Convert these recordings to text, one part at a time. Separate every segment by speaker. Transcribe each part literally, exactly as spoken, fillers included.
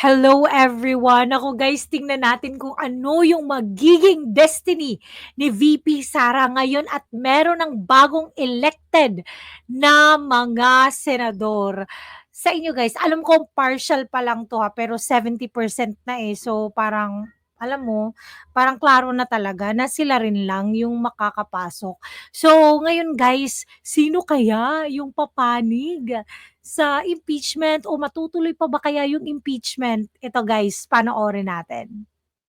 Speaker 1: Hello everyone! Ako guys, tingnan natin kung ano yung magiging destiny ni V P Sara ngayon at meron ng bagong elected na mga senador. Sa inyo guys, alam ko partial pa lang to ha, pero seventy percent na eh. So parang, alam mo, parang klaro na talaga na sila rin lang yung makakapasok. So ngayon guys, sino kaya yung papanig sa impeachment o matutuloy pa ba kaya yung impeachment? Ito guys, panoorin natin.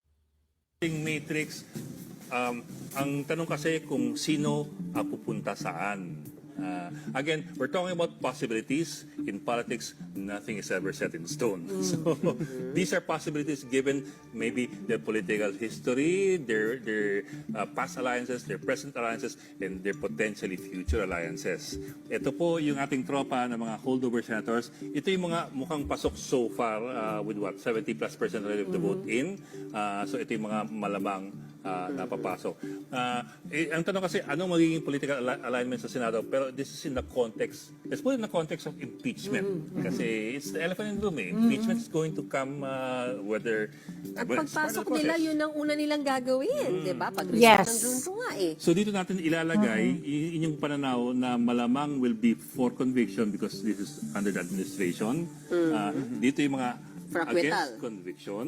Speaker 2: Matrix, um, ang tanong kasi kung sino uh, pupunta saan. Uh, again, we're talking about possibilities. In politics, nothing is ever set in stone. So these are possibilities given maybe their political history, their their uh, past alliances, their present alliances, and their potentially future alliances. Ito po yung ating tropa ng mga holdover senators. Ito yung mga mukhang pasok so far uh, with what? seventy plus percent relative to vote in. Uh, so ito yung mga malamang uh, napapasok. Uh, eh, ang tanong kasi, anong magiging political al- alignment sa Senado? Pero this is in the context, let's put it in the context of impeachment. Mm-hmm. Kasi it's the elephant in the room eh. Impeachment is going to come uh, whether...
Speaker 3: At
Speaker 2: well, it's part of
Speaker 3: pagpasok
Speaker 2: the
Speaker 3: nila,
Speaker 2: process.
Speaker 3: yun ang una nilang gagawin, di ba? Pag-resolve
Speaker 1: Yes.
Speaker 3: ng junto nga eh.
Speaker 2: So dito natin ilalagay uh-huh. inyong pananaw na malamang will be for conviction because this is under the administration. Mm-hmm. Uh, dito yung mga
Speaker 3: For acquittal.
Speaker 2: against conviction.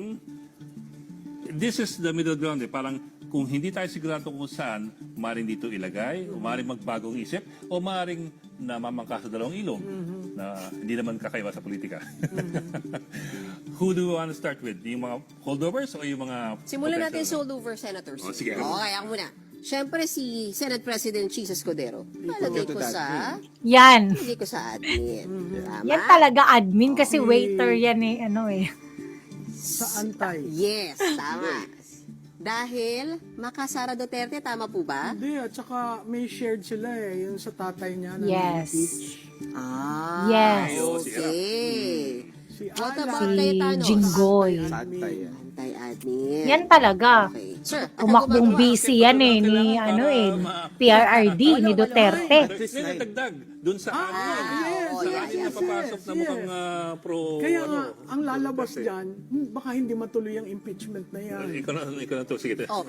Speaker 2: This is the middle ground eh. Parang kung hindi tayo sigurado kung saan, maaaring dito ilagay, o maaaring magbagong isip, o maaaring namamangka sa dalawang ilong mm-hmm. na hindi naman kakaiba sa politika. Mm-hmm. Who do we want to start with? Yung mga holdovers o yung mga...
Speaker 3: Simulan natin sa holdover senators.
Speaker 2: Oh, sige.
Speaker 3: Okay, ako muna. Siyempre si Senate President Cheese Escudero. Palagay ko sa...
Speaker 1: Yan.
Speaker 3: Palagay ko sa admin. Tama?
Speaker 1: Yan talaga admin kasi waiter yan eh. Ano eh.
Speaker 4: Sa antay.
Speaker 3: Yes, tama. Dahil Makasara Duterte, tama po ba?
Speaker 4: Hindi, at saka may shared sila eh, yung sa tatay niya na
Speaker 1: Yes.
Speaker 4: na-impeach.
Speaker 3: Ah,
Speaker 1: Yes.
Speaker 3: okay.
Speaker 4: Si
Speaker 3: What
Speaker 4: Alan.
Speaker 3: about kay
Speaker 1: Si
Speaker 3: Thanos?
Speaker 1: Jinggoy.
Speaker 4: Admin.
Speaker 3: Anti-admin.
Speaker 1: Yan talaga.
Speaker 3: Okay. Sir,
Speaker 1: Umakbong
Speaker 3: ako ba-
Speaker 1: busy yan eh ni
Speaker 2: Kailangan
Speaker 1: ano
Speaker 2: para
Speaker 1: eh
Speaker 2: ma-
Speaker 1: P R R D ni Duterte.
Speaker 2: May natagdag dun sa
Speaker 4: Ah,
Speaker 2: ano,
Speaker 4: yes,
Speaker 2: sa
Speaker 3: yes,
Speaker 2: ating
Speaker 3: yes,
Speaker 2: napapasok na
Speaker 4: yes.
Speaker 2: mukhang uh, pro...
Speaker 4: Kaya
Speaker 2: ano,
Speaker 4: nga, ang lalabas
Speaker 2: Duterte.
Speaker 4: dyan, hmm, baka hindi matuloy ang impeachment na yan.
Speaker 2: Ikaw na, ikaw na to. Sige.
Speaker 3: Oh,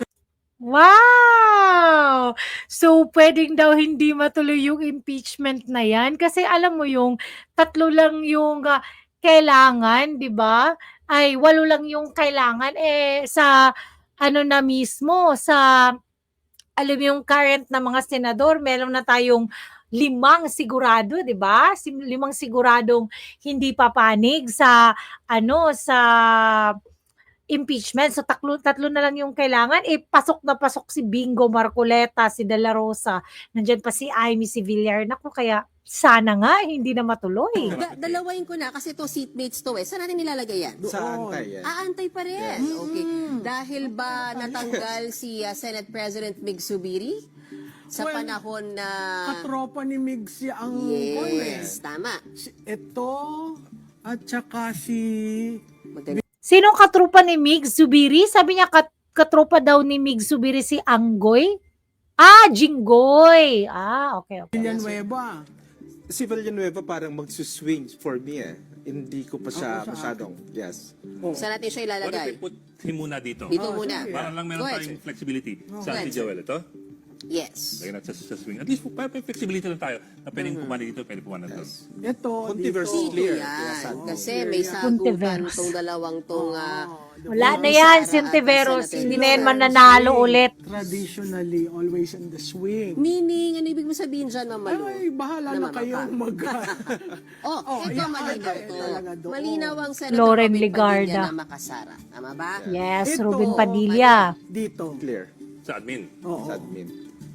Speaker 1: Wow! So, pwedeng daw hindi matuloy yung impeachment na yan? Kasi alam mo yung tatlo lang yung ah, kailangan, di ba? Ay, walo lang yung kailangan. Eh, sa ano na mismo, sa alam mo yung current na mga senador, meron na tayong limang sigurado, 'di ba? Sim- Limang siguradong hindi papanig sa ano sa impeachment. So tatlo tatlo na lang yung kailangan. Eh pasok na pasok si Bingo Marcoleta, si De La Rosa, nandiyan pa si Amy, si Villar. Naku, kaya sana nga hindi na matuloy.
Speaker 3: da- dalawain ko na kasi to seatmates to eh. Saan natin nilalagay yan?
Speaker 5: Sa antay yan.
Speaker 3: Ah, antay pa rin. Okay. Dahil ba natanggal si uh, Senate President Mig Zubiri sa
Speaker 4: Well,
Speaker 3: panahon na...
Speaker 4: Katropa ni Migs ang eh.
Speaker 3: Yes, tama.
Speaker 4: Si, ito, at saka si...
Speaker 3: Maganda.
Speaker 1: Sinong katrupa ni Mig Zubiri? Sabi niya kat katropa daw ni Mig Zubiri si Anggoy? Ah, Jinggoy. Ah, okay, okay.
Speaker 4: Villanueva.
Speaker 5: Si Villanueva parang magsuswing for me eh. Hindi ko pa siya
Speaker 4: Ako sa
Speaker 5: masyadong, yes.
Speaker 3: Saan natin siya
Speaker 2: What if we
Speaker 3: ilalagay?
Speaker 2: put him muna dito?
Speaker 3: Dito
Speaker 4: Oh,
Speaker 3: muna.
Speaker 4: sige.
Speaker 2: Para lang meron
Speaker 3: Go ahead,
Speaker 2: tayong
Speaker 3: sir.
Speaker 2: flexibility.
Speaker 3: Go
Speaker 2: Saan
Speaker 3: ahead,
Speaker 2: si Joel ito?
Speaker 3: Yes.
Speaker 2: Lagyan natin sa, sa swing. At least para may flexibility lang tayo na pwedeng pumana dito, pwede pumana doon.
Speaker 4: Ito,
Speaker 5: Controversy
Speaker 4: dito.
Speaker 3: Dito
Speaker 5: clear.
Speaker 3: yan.
Speaker 5: Yes, sabi.
Speaker 3: Kasi
Speaker 4: Oh,
Speaker 3: may
Speaker 4: clear yan.
Speaker 3: sagutan
Speaker 1: Puntiveros.
Speaker 3: tong dalawang tong... ah,
Speaker 1: Wala na
Speaker 3: Sara
Speaker 1: yan,
Speaker 3: at
Speaker 1: Sintiveros.
Speaker 3: Senator
Speaker 1: Hindi na yan
Speaker 3: Villar.
Speaker 1: mananalo ulit.
Speaker 4: Traditionally, always in the swing.
Speaker 3: meaning, ano ibig mo sabihin dyan, Ma'am Malu?
Speaker 4: Ay, bahala na
Speaker 3: Namamangka.
Speaker 4: kayong mag...
Speaker 3: Oh,
Speaker 4: Oh,
Speaker 3: ito
Speaker 4: yan,
Speaker 3: malinaw
Speaker 4: eh,
Speaker 3: to.
Speaker 4: talaga doon.
Speaker 3: Malinaw ang Senator
Speaker 1: Loren
Speaker 3: Robin
Speaker 1: Ligarda.
Speaker 3: Padilla na Makasara. Tama ba?
Speaker 1: Yes,
Speaker 4: Ito,
Speaker 1: Ruben Padilla.
Speaker 4: Dito.
Speaker 5: Clear.
Speaker 2: Sa admin.
Speaker 4: Oo.
Speaker 5: Sa admin.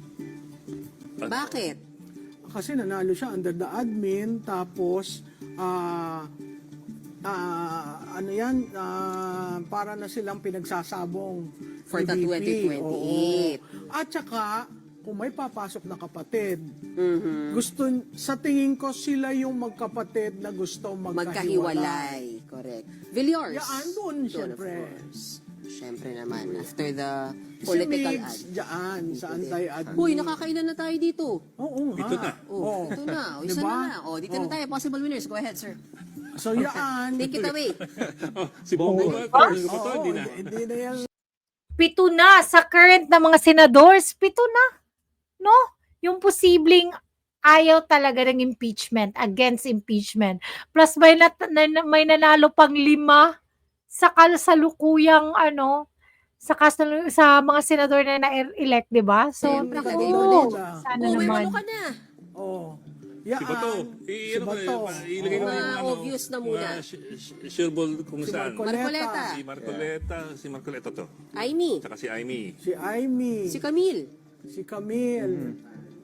Speaker 3: Bakit?
Speaker 4: Kasi nanalo siya under the admin, tapos, ah, ah, ano yan, ah, para na silang pinagsasabong
Speaker 3: For
Speaker 4: ni
Speaker 3: the
Speaker 4: V P.
Speaker 3: twenty twenty-eight.
Speaker 4: Oo. At saka, kung may papasok na kapatid,
Speaker 3: Mhm.
Speaker 4: gusto, sa tingin ko, sila yung magkapatid na gusto magkahiwalay.
Speaker 3: Magkahiwalay. Correct. Villiers.
Speaker 4: Yan, doon,
Speaker 3: Doon,
Speaker 4: syempre.
Speaker 3: of course. Siyempre naman, after the
Speaker 4: Si
Speaker 3: political
Speaker 4: Migs,
Speaker 3: ad.
Speaker 4: dyan, sa anti-admin.
Speaker 3: Uy, nakakailan na tayo dito.
Speaker 4: Oo nga.
Speaker 2: Ito na.
Speaker 3: Oh, ito na. O, isa
Speaker 4: Diba?
Speaker 3: na na. O, dito na
Speaker 4: Oh.
Speaker 3: tayo. Possible winners. Go ahead, sir.
Speaker 4: So yan.
Speaker 3: Take it away.
Speaker 2: Oh, si Bongo ba?
Speaker 4: Oo,
Speaker 2: Ito, hindi na.
Speaker 4: hindi na yan.
Speaker 1: Pito na sa current na mga senadors, pito na. No? Yung posibleng ayaw talaga ng impeachment, against impeachment. Plus may, nat- na- may nanalo pang lima sa kasalukuyang ano, sa, kasal- sa mga senador na na-elect, di ba? So,
Speaker 3: Siyempre,
Speaker 1: naku,
Speaker 3: lagay mo din.
Speaker 1: sana
Speaker 3: Oh, may
Speaker 1: naman.
Speaker 3: walo ka na.
Speaker 4: Oh. Yan.
Speaker 2: Si Bato. I,
Speaker 4: Si
Speaker 2: ano ko,
Speaker 4: Bato.
Speaker 2: ilagay mo
Speaker 3: Mga
Speaker 2: yung ano,
Speaker 3: obvious na muna.
Speaker 2: mga sh- sh- sureball kung
Speaker 4: Si
Speaker 2: saan.
Speaker 4: Marcoleta.
Speaker 3: Marcoleta.
Speaker 2: Si Marcoleta, si Marcoleta to.
Speaker 3: Aimee.
Speaker 2: Tsaka si Aimee.
Speaker 4: Si Aimee.
Speaker 3: Si Camille.
Speaker 4: Si Camille.
Speaker 2: Mm-hmm.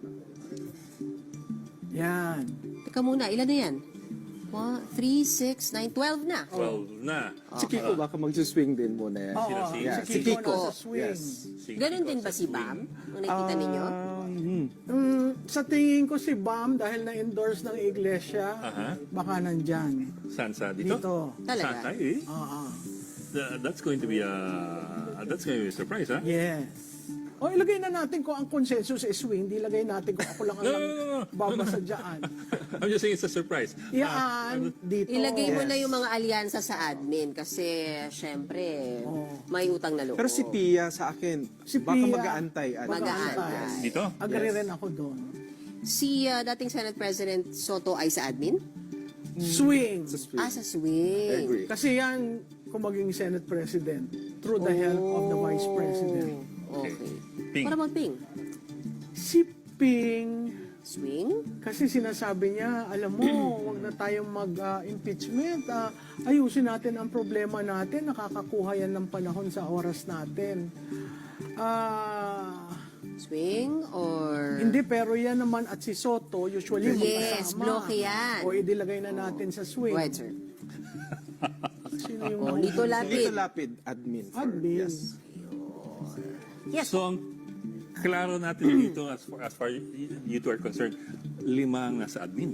Speaker 4: Yan.
Speaker 3: Teka muna, ilan na yan? one, three, six, nine, twelve na.
Speaker 2: twelve na.
Speaker 5: Si Kiko baka mag-swing din muna yan.
Speaker 4: Oo,
Speaker 2: Sino, si-
Speaker 5: Yeah,
Speaker 4: si
Speaker 5: si
Speaker 4: Kiko
Speaker 5: Kiko.
Speaker 4: nasa swing.
Speaker 5: Yes.
Speaker 2: Si
Speaker 3: Ganon
Speaker 2: Kiko
Speaker 3: din ba
Speaker 2: sa
Speaker 3: si
Speaker 2: swing.
Speaker 3: Bam? Ang nakikita ninyo?
Speaker 5: Um, hmm.
Speaker 4: Mm, sa tingin ko si Bam dahil na-endorse ng iglesia,
Speaker 2: Aha.
Speaker 4: baka nandyan.
Speaker 2: Saan sa dito?
Speaker 4: Dito.
Speaker 3: Talaga?
Speaker 2: Saan tayo eh?
Speaker 4: Oo.
Speaker 2: Th- That's going to be a that's going to be a surprise, ha?
Speaker 4: Yes. O ilagay na natin kung ang consensus is swing, di ilagay natin kung ako lang ang
Speaker 2: No, no, no, no.
Speaker 4: babasa dyan.
Speaker 2: I'm just saying it's a surprise.
Speaker 4: Iyaan, dito.
Speaker 3: Ilagay mo na yung mga alyansa sa admin kasi syempre
Speaker 4: Oo.
Speaker 3: may utang na loob.
Speaker 5: Pero si Pia sa akin,
Speaker 4: Si
Speaker 5: baka
Speaker 4: Pia,
Speaker 5: mag-aantay. ano.
Speaker 3: Mag-aantay.
Speaker 2: Dito?
Speaker 4: Agree rin ako doon.
Speaker 3: Si uh, dating Senate President Soto ay sa admin?
Speaker 4: Swing.
Speaker 5: Sa swing.
Speaker 3: Ah, sa
Speaker 5: I
Speaker 3: swing.
Speaker 5: agree.
Speaker 4: Kasi yan, kung maging Senate President, through the help of the Vice President.
Speaker 3: Okay.
Speaker 2: Ping.
Speaker 3: Para mag-ping.
Speaker 4: Si Ping,
Speaker 3: Swing?
Speaker 4: kasi sinasabi niya, alam mo, wag na tayong mag-impeachment. Ah, ayusin natin ang problema natin. Nakakakuha yan ng panahon sa oras natin. Ah,
Speaker 3: Swing or...
Speaker 4: hindi, pero yan naman at si Soto, usually
Speaker 3: Yes,
Speaker 4: magkasama.
Speaker 3: bloke yan.
Speaker 4: O idilagay na natin sa swing.
Speaker 3: Right, sir.
Speaker 4: Sino yung
Speaker 3: Oh, Lito Lapid.
Speaker 5: Lito Lapid, admin. for-
Speaker 4: Admin.
Speaker 5: Yes.
Speaker 3: Yes.
Speaker 2: So, ang klaro natin dito as far as far you two are concerned, lima ang nasa admin.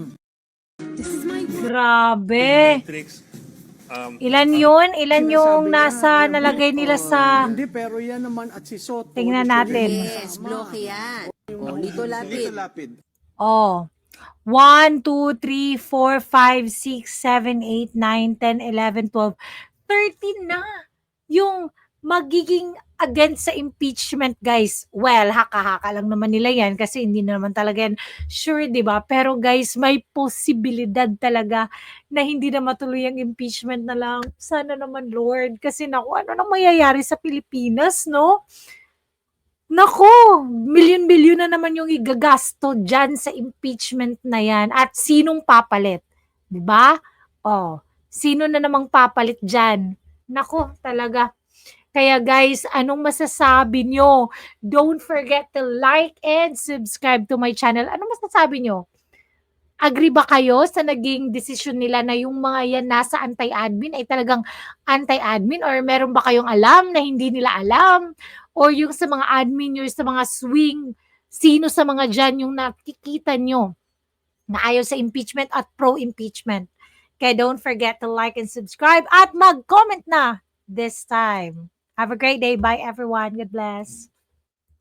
Speaker 1: Grabe.
Speaker 2: Tricks, um,
Speaker 1: Ilan yun? Ilan
Speaker 4: Sinasabi
Speaker 1: yung
Speaker 4: niya,
Speaker 1: nasa
Speaker 4: alam mo,
Speaker 1: nalagay nila sa...
Speaker 4: Hindi, pero yan naman at si Soto.
Speaker 1: Tingnan
Speaker 4: usually
Speaker 1: natin.
Speaker 3: Yes, bloke yan. Oh, Lito Lapid.
Speaker 5: Lito Lapid.
Speaker 1: Oh. one, two, three, four, five, six, seven, eight, nine, ten, eleven, twelve, thirteen na yung magiging against sa impeachment, guys. Well, haka-haka lang naman nila yan kasi hindi naman talaga yan sure, di ba? Pero guys, may posibilidad talaga na hindi na matuloy ang impeachment na lang. Sana naman, Lord. Kasi naku, ano na mangyayari sa Pilipinas, no? Nako, milyon-milyon na naman yung igagasto dyan sa impeachment na yan. At sinong papalit? 'Di ba? Oh, sino na namang papalit dyan? Nako, talaga. Kaya guys, anong masasabi nyo? Don't forget to like and subscribe to my channel. Anong masasabi nyo? Agree ba kayo sa naging desisyon nila na yung mga yan nasa anti-admin ay talagang anti-admin? Or meron ba kayong alam na hindi nila alam? Or yung sa mga admin nyo, sa mga swing, sino sa mga dyan yung nakikita nyo na ayaw sa impeachment at pro-impeachment? Kaya don't forget to like and subscribe at mag-comment na this time. Have a great day. Bye everyone. God bless.